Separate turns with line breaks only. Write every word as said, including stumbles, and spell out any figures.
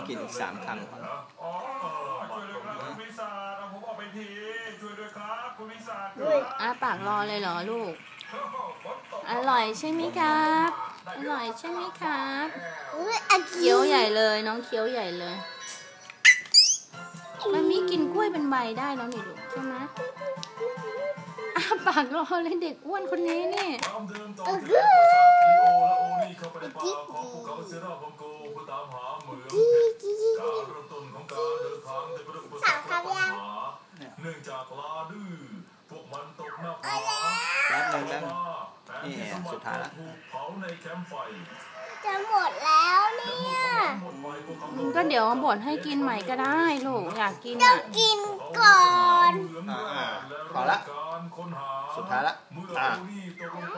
กินอีกสามคำ
อ๋อช่วยด้วยครับคุณวิสาเอาผมออกไปทีช่วยด้วยครับคุณวิสา
อ้าปากรอเลยเหรอลูกอร่อยใช่ไหมครับอร่อยใช่ไหมครับเคี้ยวใหญ่เลยน้องเคี้ยวใหญ่เลยมันมีกินกล้วยเป็นใบได้แล้วนี่ลูกใช่ไหมอ้าปากรอเลยเด็กอ้วนคนนี้นี่
สามคำยัง
เนื่องจากลาดื้อพวกมันตกหน้าผา
แป๊บนึงนะนี่สุดท้ายแล้ว
เผาในแคมป์ไฟ
จะหมดแล้วเนี่ย
ก็เดี๋ยวบดให้กินใหม่ก็ได้ลูกอยากกิน
ต้อ
อ่ะ
งกินก่อน
พอละสุดท้ายละอ่ะ